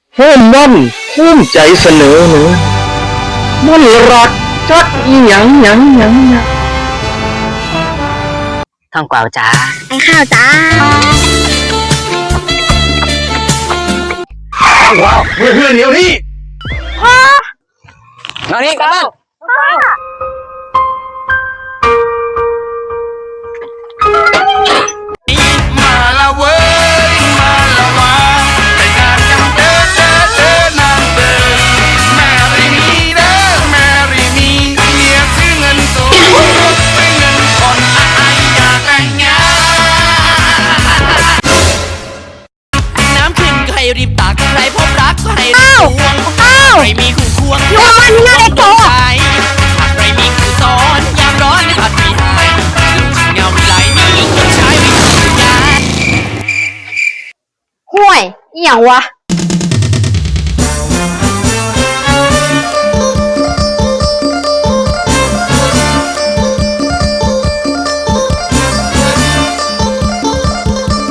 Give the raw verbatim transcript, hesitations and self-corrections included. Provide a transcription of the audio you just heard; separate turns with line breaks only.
โฮมวันภูมิใจเสนอหนูมันรักจักอีหยังหยังหยังหยัง
ทองกวาวจ้า
ไอ้ข้าวจ้า
ว้าวเพื่อนเพื่อนเดี๋ยวนี้
มานี่กลับบ้าน
มาละเว้ยมาละวาไปงานกันเด้อเด้อเด้อนางเด้อแมรี่มีเด้อแมรี่มีเมียซื้อเงินสดซื้อเงินคนอายอยากแต่งงานน้ำขึ้นก็ให้รีบตักใครพบรักก็ให้รีบทวงใครมีคู่ควง
อยู่มันที่หน้าเด็กโต
ใจหากใครมีคู่ซ้อนยามร้อนไม่พัดมีหายลูกเงาวิไลนี่ต้องใช้วิธีการ
ห่วยอีหยังวะ